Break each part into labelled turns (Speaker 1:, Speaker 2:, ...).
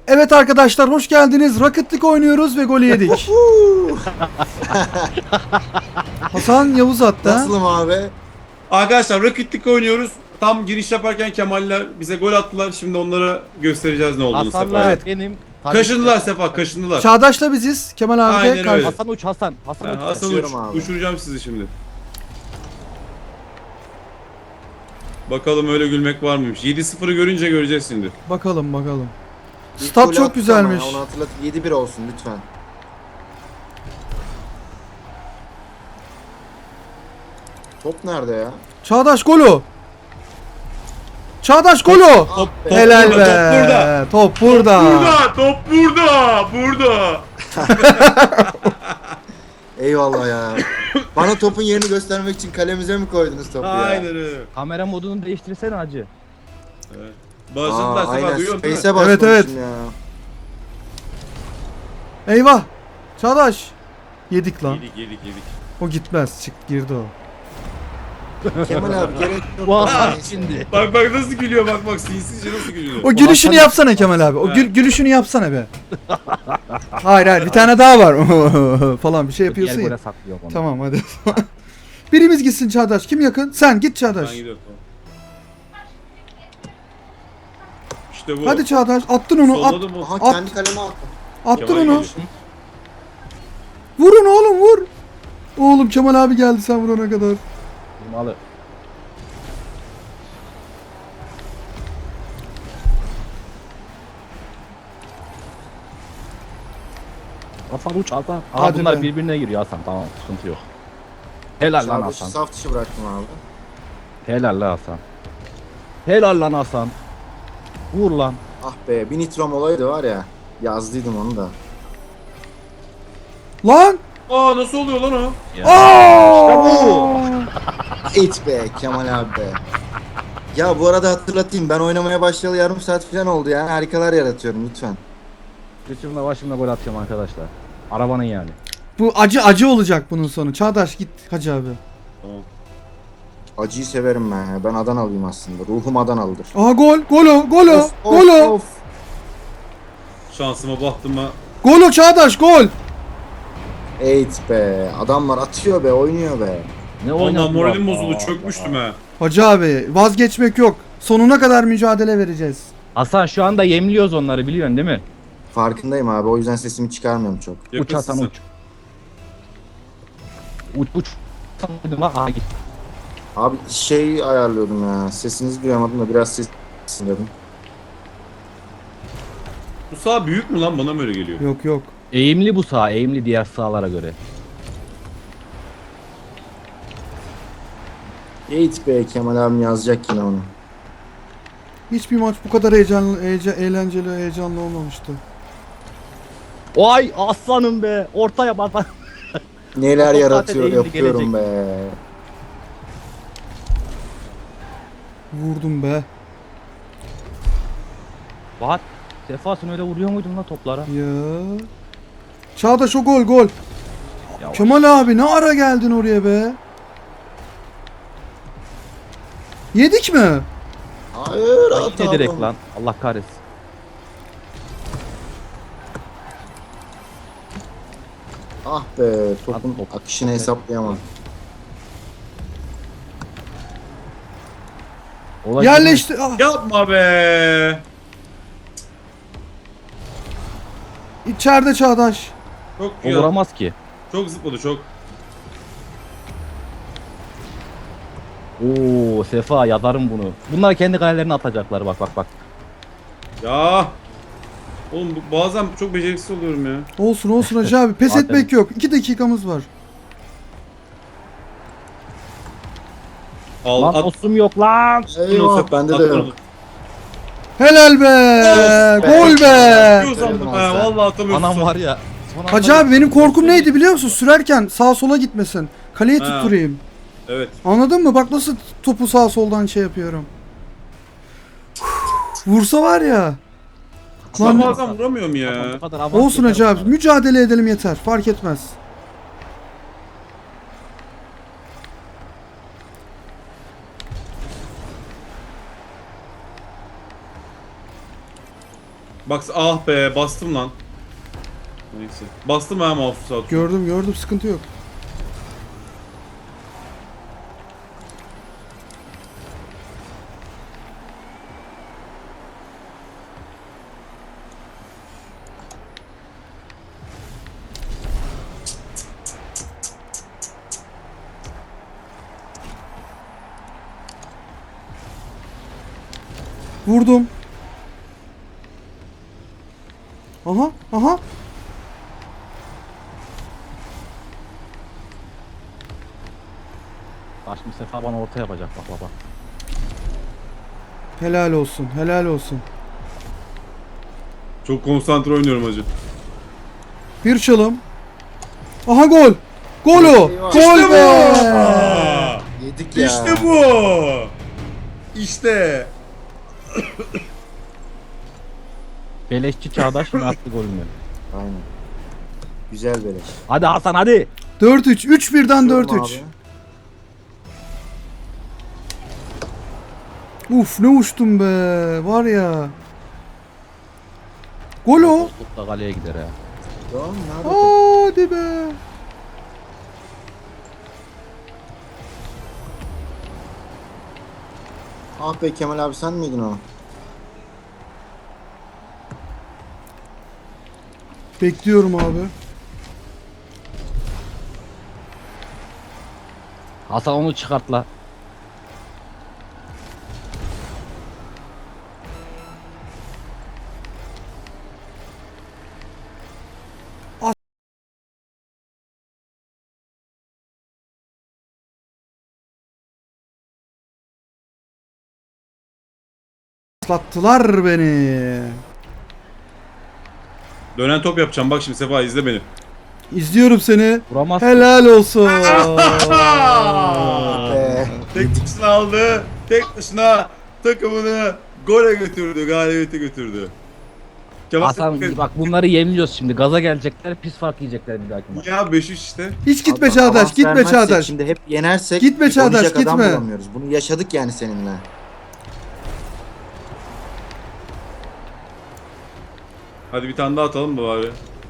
Speaker 1: Evet arkadaşlar hoş geldiniz. Rocket League oynuyoruz ve golü yedik. Hasan Yavuz attı. ha?
Speaker 2: Nasılım abi?
Speaker 3: Arkadaşlar Rocket League oynuyoruz. Tam giriş yaparken Kemaller bize gol attılar. Şimdi onlara göstereceğiz ne olduğunu
Speaker 4: Hasan'la
Speaker 3: Sefa.
Speaker 1: Evet.
Speaker 4: benim.
Speaker 3: Kaşındılar Sefa, kaşındılar.
Speaker 1: Çağdaş'la biziz. Kemal abi de
Speaker 3: Aynen
Speaker 1: karşı.
Speaker 3: öyle.
Speaker 4: Hasan uç Hasan. Hasan uç.
Speaker 3: Hasan
Speaker 2: Kaçıyorum abi.
Speaker 3: uçuracağım sizi şimdi. Bakalım öyle gülmek var mıymış? 7-0'ı görünce göreceğiz şimdi.
Speaker 1: Bakalım bakalım.
Speaker 2: İlk
Speaker 1: Stat
Speaker 2: golü
Speaker 1: çok
Speaker 2: attık
Speaker 1: güzelmiş.
Speaker 2: ama ya, onu hatırlat. 7-1 olsun lütfen. Top nerede ya?
Speaker 1: Çağdaş golü. Çağdaş golü.
Speaker 3: Top,
Speaker 1: Helal
Speaker 3: burada,
Speaker 1: be.
Speaker 3: Top burada.
Speaker 1: Top burada.
Speaker 3: Top burada. Burada.
Speaker 2: Eyvallah ya. Bana topun yerini göstermek için kalemize mi koydunuz topu ya?
Speaker 3: Aynen öyle.
Speaker 4: Kamera modunu değiştirsene hacı.
Speaker 3: Evet. Başladılar Sefa,
Speaker 2: aynen.
Speaker 3: duyuyor musun?
Speaker 2: Space'e
Speaker 1: Evet,
Speaker 2: basmamışım
Speaker 1: evet.
Speaker 2: ya.
Speaker 1: Eyvah. Çağdaş. Yedik lan.
Speaker 3: Yedik.
Speaker 1: O gitmez. Çık girdi o.
Speaker 2: Kemal abi gerek yok.
Speaker 4: Vah şimdi.
Speaker 3: Bak nasıl gülüyor, bak sinsizce nasıl gülüyor.
Speaker 1: O gülüşünü yapsana Kemal abi. O gülüşünü yapsana be. Hayır bir tane daha var. Falan bir şey yapıyorsun
Speaker 4: Diğer
Speaker 1: ya.
Speaker 4: gole saklıyor onu.
Speaker 1: Tamam hadi. Birimiz gitsin Çağdaş. Kim yakın? Sen git Çağdaş.
Speaker 3: Ben gidiyorum. İşte bu.
Speaker 1: Hadi Çağdaş. Attın onu. At,
Speaker 3: Solladım mı?
Speaker 2: Aha
Speaker 1: At.
Speaker 2: kendi kaleme attım.
Speaker 1: attın
Speaker 3: Kemal
Speaker 1: onu.
Speaker 3: geliyor.
Speaker 1: Vurun oğlum vur. Oğlum Kemal abi geldi sen vurana kadar.
Speaker 4: Malı. Hasan uç Hasan. Aa,
Speaker 1: Hadi
Speaker 4: bunlar
Speaker 1: be.
Speaker 4: birbirine giriyor Hasan, tamam, sıkıntı yok. Helal lan
Speaker 2: Çağdaş'ı
Speaker 4: Hasan.
Speaker 2: saf dışı bıraktım abi.
Speaker 4: Helal lan Hasan. Helal lan Hasan. Vur lan.
Speaker 2: Ah be bir nitrom olaydı var ya. Yazdıydım onu da.
Speaker 1: Lan.
Speaker 3: Aa, nasıl oluyor lan o?
Speaker 2: It be Kemal abi be. Ya bu arada hatırlatayım ben oynamaya başlayalı yarım saat falan oldu yani harikalar yaratıyorum lütfen.
Speaker 4: Götümle başımla gol atacağım arkadaşlar. Arabanın yani.
Speaker 1: Bu acı olacak bunun sonu. Çağdaş git Hacı abi.
Speaker 3: Tamam.
Speaker 2: Acıyı severim ben ya. Ben Adanalıyım aslında. Ruhum Adanalıdır.
Speaker 1: Aha gol. Golo.
Speaker 2: Of, of,
Speaker 1: Golo.
Speaker 2: of.
Speaker 3: Şansıma bahtıma.
Speaker 1: Golo Çağdaş gol.
Speaker 2: Eğit be. Adamlar atıyor be, oynuyor be.
Speaker 4: Ne
Speaker 3: Ondan
Speaker 4: oynadılar?
Speaker 3: moralim bozuldu,
Speaker 4: Aa,
Speaker 3: çökmüştüm ha.
Speaker 1: Hacı abi vazgeçmek yok. Sonuna kadar mücadele vereceğiz.
Speaker 4: Hasan şu anda yemliyoruz onları, biliyorsun değil mi?
Speaker 2: Farkındayım abi. O yüzden sesimi çıkarmıyorum çok.
Speaker 4: Uç
Speaker 3: Yakınsın
Speaker 4: Hasan
Speaker 3: sen.
Speaker 4: uç. Uç. Sandım ha. Aha git.
Speaker 2: Abi şey ayarlıyordum ya. Sesinizi duyamadım da biraz ses dedim.
Speaker 3: Bu sağ büyük mü lan, bana mı öyle geliyor?
Speaker 1: Yok.
Speaker 4: Eğimli bu sağ, eğimli diğer sağlara göre.
Speaker 2: Eğit be Kemal abim yazacak yine onu.
Speaker 1: Hiçbir maç bu kadar eğlenceli, heyecanlı olmamıştı.
Speaker 4: Vay aslanım be. Ortaya bak.
Speaker 2: Neler
Speaker 4: Top
Speaker 2: yaratıyor
Speaker 4: zaten eğimli
Speaker 2: yapıyorum be.
Speaker 1: Vurdum be.
Speaker 4: Bak. Sefa sen öyle vuruyor muydun la toplara?
Speaker 1: Ya. Çağdaş o gol.
Speaker 4: Ya
Speaker 1: Kemal abi ne ara geldin oraya be? Yedik mi?
Speaker 2: Hayır
Speaker 4: bak, yine
Speaker 2: at
Speaker 4: direkt
Speaker 2: abi.
Speaker 4: lan. Allah kahretsin.
Speaker 2: Ah be topun
Speaker 4: At top.
Speaker 2: akışını hesaplayamam.
Speaker 4: Olay
Speaker 1: Yerleşti. Ah,
Speaker 3: Yapma be.
Speaker 1: içeride Çağdaş.
Speaker 3: Çok
Speaker 4: O
Speaker 3: ya.
Speaker 4: vuramaz ki.
Speaker 3: Çok zıpladı çok.
Speaker 4: Oo Sefa yazarım bunu. Bunlar kendi kalelerine atacaklar, bak.
Speaker 3: Ya. Oğlum bazen çok beceriksiz oluyorum ya.
Speaker 1: Olsun Hacı abi. Pes
Speaker 4: Zaten-
Speaker 1: etmek yok. 2 dakikamız var.
Speaker 3: Al
Speaker 4: Lan
Speaker 3: at.
Speaker 4: osum yok lan.
Speaker 2: Eyvah bende de yok.
Speaker 1: Helal be.
Speaker 2: Of be.
Speaker 1: Gol be.
Speaker 3: Atıyor sandım ha. Vallahi atamıyorsun.
Speaker 4: Anam var ya. son
Speaker 1: Hacı
Speaker 4: anda-
Speaker 1: abi benim korkum neydi biliyor musun? Sürerken sağa sola gitmesin. Kaleye
Speaker 3: Ha.
Speaker 1: tutturayım.
Speaker 3: Evet.
Speaker 1: Anladın mı? Bak nasıl topu sağa soldan şey yapıyorum. Vursa var ya.
Speaker 3: Ben
Speaker 1: Lan
Speaker 3: bazen vuramıyorum ya.
Speaker 4: Bu kadar avans
Speaker 1: olsun
Speaker 4: yeter
Speaker 1: Hacı abi.
Speaker 4: onlara.
Speaker 1: Mücadele edelim yeter. Fark etmez.
Speaker 3: Bak ah be bastım lan. Neyse. Bastım ha mouse'u sağ olsun.
Speaker 1: Gördüm sıkıntı yok. Vurdum. Aha.
Speaker 4: Başım sefer bana orta yapacak bak baba.
Speaker 1: Helal olsun.
Speaker 3: Çok konsantre oynuyorum hacı.
Speaker 1: Bir çalım. Aha gol. Gol o.
Speaker 2: Eyvah.
Speaker 1: Gol be.
Speaker 3: Aa,
Speaker 2: Yedik ya.
Speaker 3: İşte bu. İşte.
Speaker 4: Beleşçi Çağdaş mı attı golünü?
Speaker 2: Aynen. Güzel beleş.
Speaker 4: Hadi Hasan hadi.
Speaker 1: 4-3. 3-1'den
Speaker 2: Diyorum
Speaker 1: 4-3. Uf ne uçtum be. Var ya. Gol o.
Speaker 4: Top da kaleye gider ha.
Speaker 2: Tamam nerede?
Speaker 1: Hadi be.
Speaker 2: Ah be Kemal abi sen miydin o?
Speaker 1: Bekliyorum abi.
Speaker 4: Hasan onu çıkart la.
Speaker 1: Atlattılar beni.
Speaker 3: Dönen top yapacağım. Bak şimdi Sefa izle beni.
Speaker 1: İzliyorum seni.
Speaker 4: Vuramaz.
Speaker 1: Helal olsun.
Speaker 2: Be.
Speaker 3: Tek başına aldı. Tek başına takımını gole götürdü. Galibiyete götürdü. Kemal
Speaker 4: Hasan bak bunları yemliyoruz şimdi. Gaza gelecekler, pis fark yiyecekler bir dahaki maç.
Speaker 3: ya 5-3 işte.
Speaker 1: Hiç gitme
Speaker 2: Abi,
Speaker 1: Çağdaş,
Speaker 2: avans
Speaker 1: gitme
Speaker 2: vermezsek
Speaker 1: Çağdaş.
Speaker 2: Şimdi hep yenersek
Speaker 1: Gitme Çağdaş,
Speaker 2: oynayacak adam
Speaker 1: gitme.
Speaker 2: bulamıyoruz. Bunu yaşadık yani seninle.
Speaker 3: Hadi bir tane daha atalım da bari.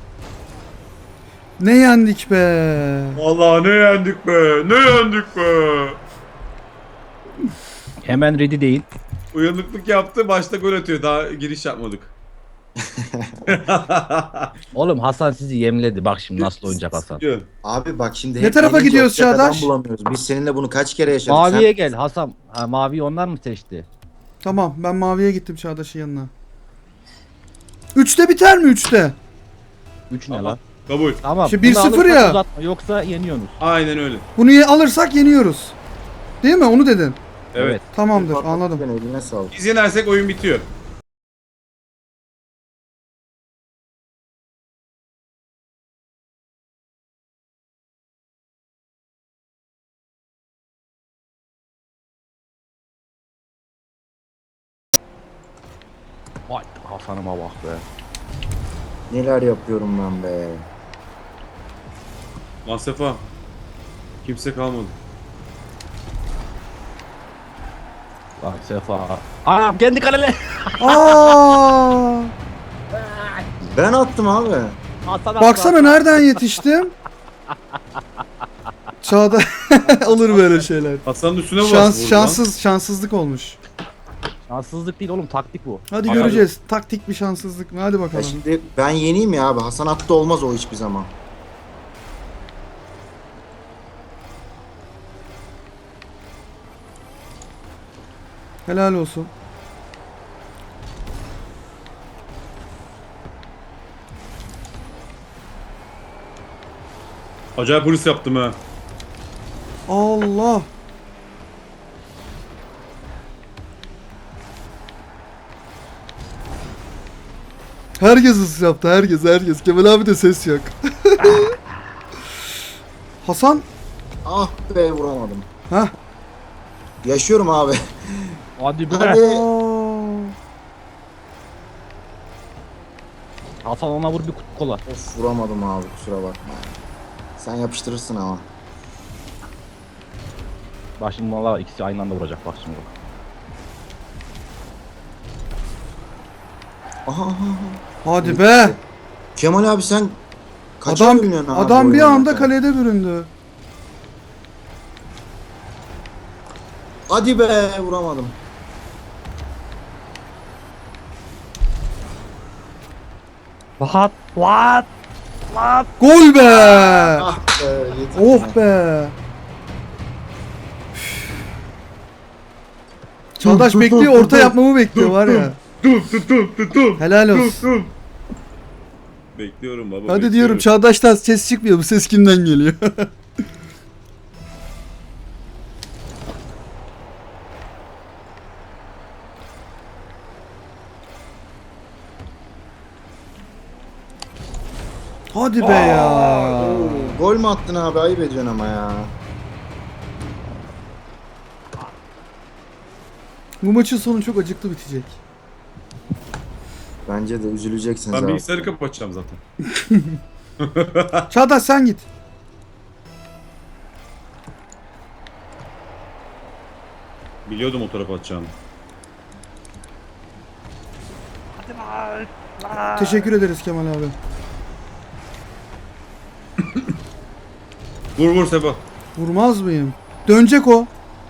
Speaker 1: Ne yendik be.
Speaker 3: Vallahi ne yendik be. Ne yendik be.
Speaker 4: Hemen ready değil.
Speaker 3: Uyanıklık yaptı. Başta gol atıyor. Daha giriş yapmadık.
Speaker 4: Oğlum Hasan sizi yemledi. Bak şimdi nasıl oynayacak Hasan.
Speaker 2: Abi bak şimdi
Speaker 1: Ne
Speaker 2: hep
Speaker 1: tarafa
Speaker 2: yenince
Speaker 1: gidiyoruz
Speaker 2: oynayacak adam
Speaker 1: Çağdaş?
Speaker 2: bulamıyoruz. Biz seninle bunu kaç kere yaşadık.
Speaker 4: Maviye gel Hasan. Ha, maviyi onlar mı seçti?
Speaker 1: Tamam ben maviye gittim Çağdaş'ın yanına. 3'te biter mi 3'te?
Speaker 4: 3 ne
Speaker 3: Tamam.
Speaker 4: lan?
Speaker 3: Kabul.
Speaker 4: Tamam.
Speaker 1: Şimdi
Speaker 4: bunu
Speaker 1: 1-0
Speaker 4: alırsak
Speaker 1: ya.
Speaker 4: uzatma, yoksa yeniyorsunuz.
Speaker 3: Aynen öyle.
Speaker 1: Bunu alırsak yeniyoruz. Değil mi? Onu dedin.
Speaker 3: Evet.
Speaker 1: Tamamdır anladım.
Speaker 2: Ben eline sağlık.
Speaker 3: Biz yenersek oyun bitiyor.
Speaker 4: Vay Hasan'ıma bak be.
Speaker 2: Neler yapıyorum ben be.
Speaker 3: Lan Sefa. Kimse kalmadı.
Speaker 4: Bak Sefa. Anam kendi kalele.
Speaker 1: Aa!
Speaker 2: Ben attım abi.
Speaker 4: Hasan
Speaker 1: Baksana nereden yetiştim? Çağda olur böyle şeyler.
Speaker 3: Hasan'ın üstüne bastı.
Speaker 1: Şanssızlık olmuş.
Speaker 4: Şanssızlık değil oğlum, taktik bu.
Speaker 1: Hadi
Speaker 3: Abi-
Speaker 1: göreceğiz. Taktik bir şanssızlık mı? Hadi
Speaker 2: Ya
Speaker 1: bakalım.
Speaker 2: şimdi ben yeneyim ya abi. Hasan attı olmaz o hiçbir zaman.
Speaker 1: Helal olsun.
Speaker 3: Acayip polis yaptım ha.
Speaker 1: Allah. Herkes ıs yaptı. Herkes. Kemal abi de ses yok. Hasan.
Speaker 2: Ah be vuramadım.
Speaker 1: Hah.
Speaker 2: Yaşıyorum abi.
Speaker 4: Hadi be.
Speaker 2: Hadi.
Speaker 1: Aa.
Speaker 4: Hasan ona vur bir kutu kola.
Speaker 2: Of vuramadım abi kusura bakma. Sen yapıştırırsın ama.
Speaker 4: Bak şimdi valla ikisi aynı anda vuracak bak şimdi.
Speaker 2: Aha, aha, aha.
Speaker 1: Hadi be.
Speaker 2: Kemal abi sen kaça
Speaker 1: Adam
Speaker 2: bölünüyorsun abi
Speaker 1: adam bir
Speaker 2: oyunu
Speaker 1: anda
Speaker 2: zaten?
Speaker 1: kalede büründü.
Speaker 2: Hadi be vuramadım.
Speaker 4: What? What? What?
Speaker 1: Gol be.
Speaker 2: Ah be yeter.
Speaker 1: Oh be. Çağdaş bekliyor, orta yapmamı bekliyor var ya. Helal olsun.
Speaker 3: Bekliyorum baba.
Speaker 1: Hadi
Speaker 3: bekliyorum.
Speaker 1: diyorum Çağdaş'tan ses çıkmıyor. Bu ses kimden geliyor? Hadi be ya.
Speaker 2: Oo, gol mü attın abi? Ayıp ediyorsun ama ya.
Speaker 1: Bu maçın sonu çok acıklı bitecek.
Speaker 2: Bence de üzüleceksiniz
Speaker 3: Ben
Speaker 2: abi.
Speaker 3: bilgisayarı kapatacağım zaten.
Speaker 1: Çağdaş sen git.
Speaker 3: Biliyordum o tarafa atacağını.
Speaker 4: Hadi lan.
Speaker 1: Teşekkür ederiz Kemal abi.
Speaker 3: Vur vur Seba.
Speaker 1: Vurmaz mıyım? Dönecek o.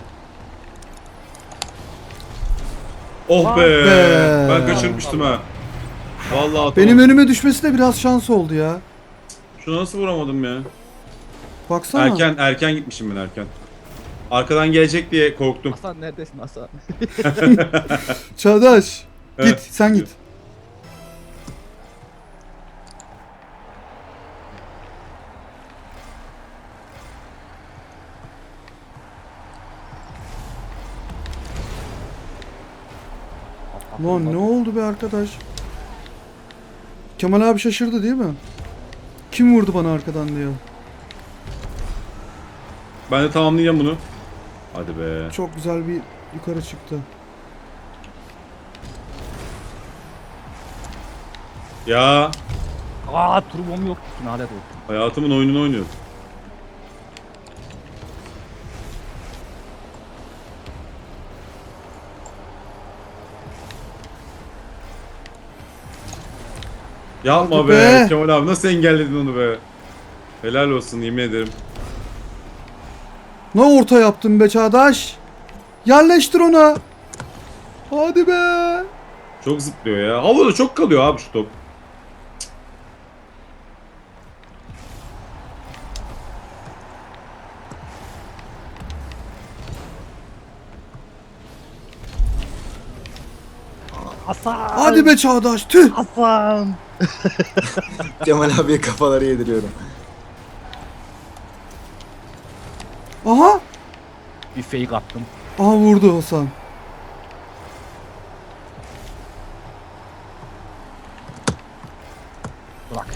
Speaker 3: Oh be.
Speaker 1: be.
Speaker 3: Ben kaçırmıştım ha. Vallahi atamadım.
Speaker 1: Benim önüme düşmesi de biraz şans oldu ya.
Speaker 3: Şunu nasıl vuramadım ya?
Speaker 1: Baksana.
Speaker 3: Erken gitmişim ben erken. Arkadan gelecek diye korktum.
Speaker 4: Hasan neredesin Hasan?
Speaker 1: Çağdaş.
Speaker 3: Evet.
Speaker 1: Git sen git. Lan ne oldu be arkadaş? Kemal abi şaşırdı değil mi? Kim vurdu bana arkadan diyor.
Speaker 3: Ben de tamamlayacağım bunu. Hadi be.
Speaker 1: Çok güzel bir yukarı çıktı.
Speaker 3: Ya
Speaker 4: Aa turbom yok. Lanet olsun.
Speaker 3: hayatımın oyununu oynuyorum. Yapma
Speaker 1: Hadi
Speaker 3: be.
Speaker 1: be.
Speaker 3: Kemal abi nasıl engelledin onu be. Helal olsun yemin ederim.
Speaker 1: Ne orta yaptın be Çağdaş? Yerleştir ona. Hadi be.
Speaker 3: Çok zıplıyor ya. Havada çok kalıyor abi şu top.
Speaker 4: Hasan.
Speaker 1: Hadi be Çağdaş. Tüh.
Speaker 4: Hasan.
Speaker 2: Kemal abiye kafaları yediriyorum.
Speaker 1: Aha.
Speaker 4: Bir fake attım.
Speaker 1: Aha vurdu Hasan.
Speaker 4: Bırak.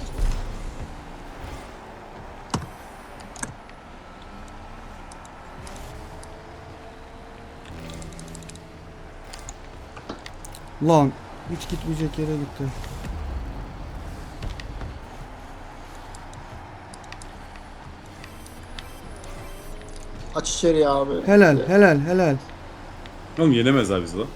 Speaker 1: Lan hiç gitmeyecek yere gitti.
Speaker 2: Aç içeri abi.
Speaker 1: Helal helal helal.
Speaker 3: Oğlum yenemez abi bizi lan.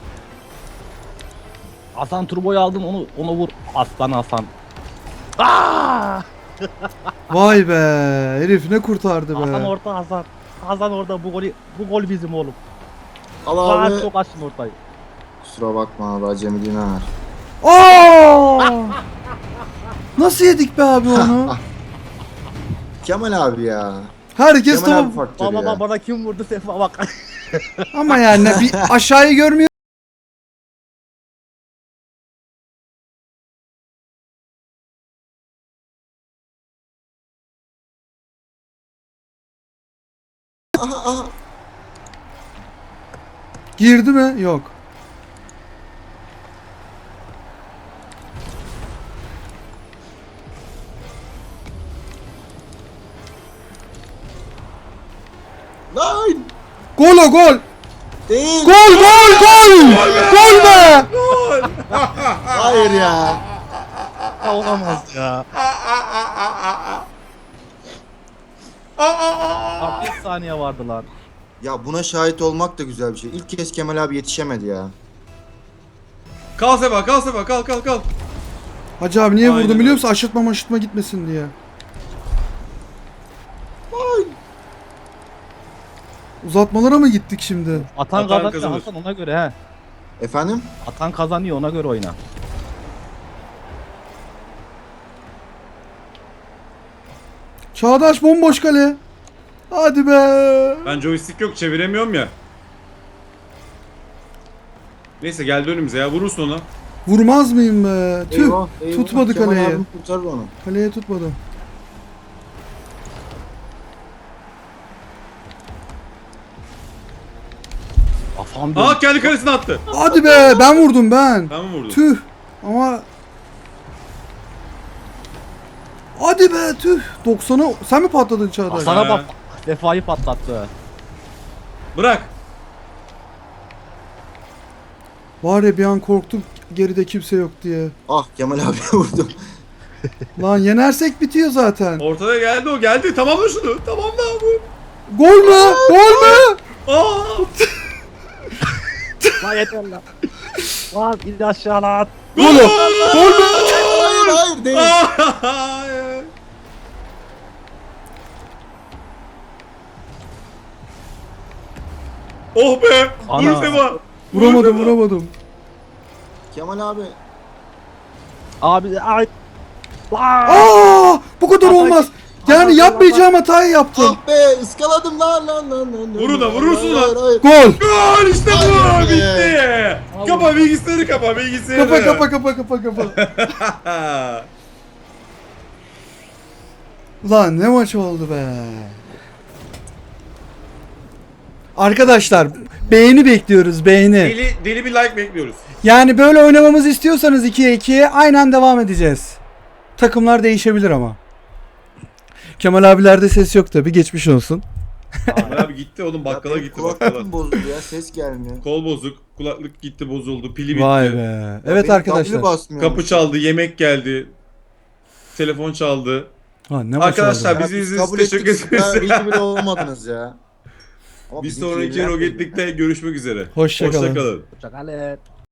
Speaker 4: Hasan turboyu aldın onu vur. Aslan Hasan. Aa!
Speaker 1: Vay be. Herif ne kurtardı
Speaker 4: Hasan
Speaker 1: be.
Speaker 4: orta Hasan. Hasan orada bu gol bizim oğlum.
Speaker 2: Al
Speaker 4: Rahat
Speaker 2: abi.
Speaker 4: çok açtın ortayı.
Speaker 2: Kusura bakma abi acemiliğine ver.
Speaker 1: Aa! Nasıl yedik be abi onu?
Speaker 2: Kemal abi ya.
Speaker 1: Herkes
Speaker 2: Kemal abi
Speaker 1: tamam.
Speaker 2: faktörü ya.
Speaker 4: Baba bana kim vurdu Sefa bak.
Speaker 1: Ama yani bir aşağıyı görmüyor.
Speaker 2: Aha aha.
Speaker 1: Girdi mi? Yok.
Speaker 2: Lan.
Speaker 1: Gol o gol.
Speaker 2: Değil.
Speaker 1: Gol gol gol. Gol be.
Speaker 2: Hayır ya.
Speaker 4: Olamaz ya. Bak 1 saniye vardı lan.
Speaker 2: Ya buna şahit olmak da güzel bir şey. İlk kez Kemal abi yetişemedi ya.
Speaker 3: Kal Sefa, kal Sefa, kal kal kal.
Speaker 1: Hacı abi niye
Speaker 3: Aynen
Speaker 1: vurdum biliyor
Speaker 3: öyle.
Speaker 1: musun? Aşırtma gitmesin diye. Uzatmalara mı gittik şimdi?
Speaker 4: Atan
Speaker 3: Atan
Speaker 4: kazanıyor
Speaker 3: kazanır.
Speaker 4: Hasan, ona göre he.
Speaker 2: Efendim?
Speaker 4: Atan kazanıyor, ona göre oyna.
Speaker 1: Çağdaş bomboş kale. Hadi be.
Speaker 3: Ben joystick yok, çeviremiyorum ya. Neyse geldi önümüze ya, vurursun ona.
Speaker 1: Vurmaz mıyım be? Tüh.
Speaker 2: Eyvah, eyvah.
Speaker 1: Tutmadı
Speaker 2: Kemal
Speaker 1: kaleyi.
Speaker 2: abim kurtarır onu.
Speaker 1: Kaleye tutmadı.
Speaker 4: Afam
Speaker 3: Aa kendi kalesine attı.
Speaker 1: Hadi be ben vurdum ben.
Speaker 3: Ben mi vurdum?
Speaker 1: Tüh. Ama hadi be tüh. 90'a sen mi patladın Çağdaş?
Speaker 4: Hasan'a
Speaker 3: Ha.
Speaker 4: bak. Vefayı patlattı.
Speaker 3: Bırak.
Speaker 1: Var ya bir an korktum geride kimse yok diye.
Speaker 2: Ah Kemal abi vurdum.
Speaker 1: Lan yenersek bitiyor zaten.
Speaker 3: Ortada geldi o, geldi. Tamamla şunu. Tamamla bu.
Speaker 1: Gol mü? Gol mü?
Speaker 3: Aa!
Speaker 4: Lan yeter lan. Lan in aşağı lan.
Speaker 1: Gol mü? Gol mü?
Speaker 2: Hayır hayır değil.
Speaker 3: Hayır. Oh be!
Speaker 4: Ana.
Speaker 3: Vur Seba!
Speaker 1: Vuramadım vuramadım.
Speaker 2: Kemal abi.
Speaker 4: Abi ay. Lan.
Speaker 1: Aa, bu kadar
Speaker 4: Hasan-
Speaker 1: olmaz. Yani
Speaker 4: Hasan-
Speaker 1: yapmayacağım hatayı yaptım.
Speaker 2: Ah be ıskaladım lan.
Speaker 3: Vur ona, vurursun
Speaker 2: Hayır,
Speaker 3: lan.
Speaker 2: hayır.
Speaker 1: Gol.
Speaker 3: Gol işte bu!
Speaker 2: Hayır be.
Speaker 3: Bitti! Kapa bilgisayarı, kapa bilgisayarı.
Speaker 1: Kapa. Lan ne maç oldu be. Arkadaşlar beğeni bekliyoruz beğeni.
Speaker 3: Deli bir like bekliyoruz.
Speaker 1: Yani böyle oynamamızı istiyorsanız 2'ye 2'ye aynen devam edeceğiz. Takımlar değişebilir ama. Kemal abilerde ses yok tabi geçmiş olsun.
Speaker 3: Ahmet abi gitti oğlum, bakkala
Speaker 2: Ya
Speaker 3: gitti
Speaker 2: benim
Speaker 3: bakkala.
Speaker 2: Kulaklığım bozuldu ya ses gelmiyor.
Speaker 3: Kol bozuk, kulaklık gitti bozuldu, pili bitti.
Speaker 1: Vay be. Evet
Speaker 2: Benim
Speaker 1: arkadaşlar.
Speaker 2: W basmıyor.
Speaker 3: Kapı çaldı, yemek geldi. Telefon çaldı.
Speaker 1: Ha, ne maç
Speaker 3: Arkadaşlar
Speaker 1: oldu?
Speaker 3: bizi
Speaker 2: Biz
Speaker 3: izlediğiniz
Speaker 2: kabul
Speaker 3: için teşekkür
Speaker 2: ettik. Ya,
Speaker 3: ederiz.
Speaker 2: iyi bile olmadınız ya. Ama
Speaker 3: Bir
Speaker 2: bizimki
Speaker 3: sonraki
Speaker 2: yenilen
Speaker 3: Rocket League'de görüşmek üzere.
Speaker 1: Hoşça kalın.
Speaker 3: Hoşça kalın.
Speaker 4: Hoşçakalın.